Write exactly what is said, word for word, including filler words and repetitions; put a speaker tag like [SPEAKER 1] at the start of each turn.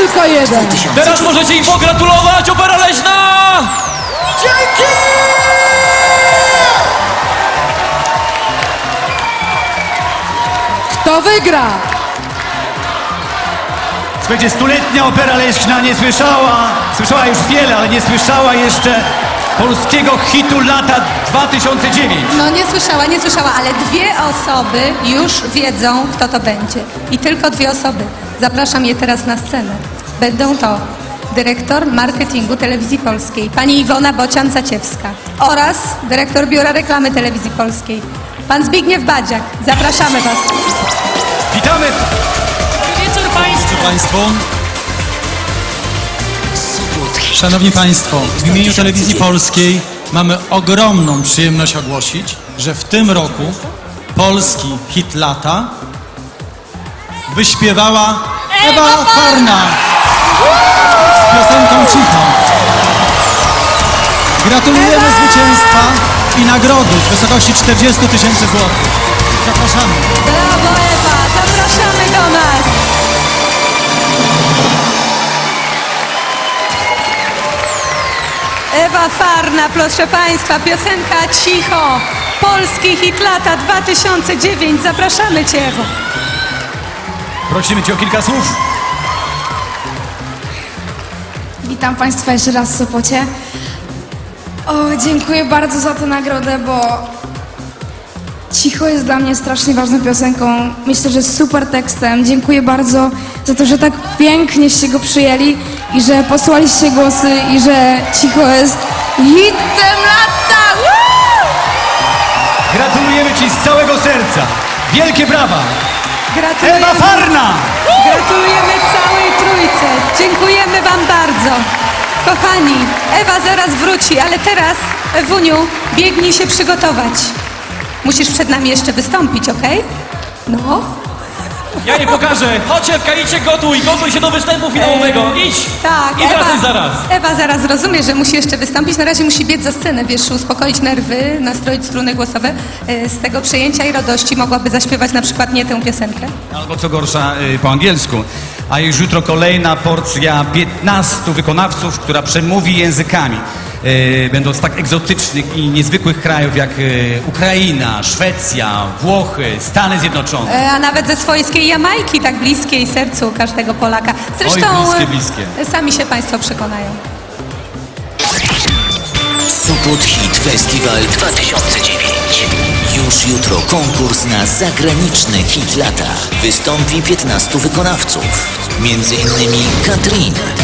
[SPEAKER 1] Tylko jeden.
[SPEAKER 2] Teraz możecie im pogratulować, Opera Leśna!
[SPEAKER 1] Dzięki! Kto wygra?
[SPEAKER 3] Słuchajcie, stuletnia Opera Leśna nie słyszała, słyszała już wiele, ale nie słyszała jeszcze polskiego hitu lata dwa tysiące dziewiątego.
[SPEAKER 4] No nie słyszała, nie słyszała, ale dwie osoby już wiedzą, kto to będzie. I tylko dwie osoby. Zapraszam je teraz na scenę. Będą to dyrektor marketingu Telewizji Polskiej, pani Iwona Bocian-Zaciewska oraz dyrektor Biura Reklamy Telewizji Polskiej, pan Zbigniew Badziak. Zapraszamy was.
[SPEAKER 3] Witamy!
[SPEAKER 2] Wieczór Państwu!
[SPEAKER 5] Państwu. Szanowni Państwo, w imieniu Telewizji Polskiej mamy ogromną przyjemność ogłosić, że w tym roku polski hit lata wyśpiewała Ewa Farna z piosenką Cicho. Gratulujemy zwycięstwa i nagrody w wysokości czterdziestu tysięcy złotych. Zapraszamy.
[SPEAKER 4] Brawo Ewa, zapraszamy do nas. Ewa Farna, proszę Państwa, piosenka Cicho, polski hit lata dwa tysiące dziewiąty. Zapraszamy Cię, Ewo.
[SPEAKER 3] Prosimy Cię o kilka słów.
[SPEAKER 6] Witam Państwa jeszcze raz w Sopocie. O, dziękuję bardzo za tę nagrodę, bo Cicho jest dla mnie strasznie ważną piosenką. Myślę, że z super tekstem. Dziękuję bardzo za to, że tak pięknieście go przyjęli i że posłaliście głosy i że Cicho jest hitem lata. Woo!
[SPEAKER 3] Gratulujemy Ci z całego serca. Wielkie brawa!
[SPEAKER 4] Gratulujemy.
[SPEAKER 3] Ewa Farna!
[SPEAKER 4] Gratulujemy całej trójce. Dziękujemy Wam bardzo. Kochani, Ewa zaraz wróci, ale teraz, Ewuniu, biegnij się przygotować. Musisz przed nami jeszcze wystąpić, okej? No.
[SPEAKER 2] Ja nie pokażę. Chodź, Ewka, idźcie, gotuj, gotuj się do występu finałowego. Idź!
[SPEAKER 4] Tak,
[SPEAKER 2] I wracaj zaraz.
[SPEAKER 4] Ewa zaraz rozumie, że musi jeszcze wystąpić. Na razie musi biec za scenę, wiesz, uspokoić nerwy, nastroić struny głosowe. E, Z tego przejęcia i radości mogłaby zaśpiewać na przykład nie tę piosenkę.
[SPEAKER 3] Albo co gorsza y, po angielsku. A już jutro kolejna porcja piętnastu wykonawców, która przemówi językami. Y, będąc tak egzotycznych i niezwykłych krajów jak y, Ukraina, Szwecja, Włochy, Stany Zjednoczone.
[SPEAKER 4] E, A nawet ze swojskiej Jamajki, tak bliskiej sercu każdego Polaka. Zresztą
[SPEAKER 3] Oj, bliskie, bliskie.
[SPEAKER 4] e, sami się Państwo przekonają.
[SPEAKER 7] Sopot Hit Festival dwa tysiące dziewięć. Już jutro konkurs na zagraniczny hit lata. Wystąpi piętnastu wykonawców. Między innymi Katrin,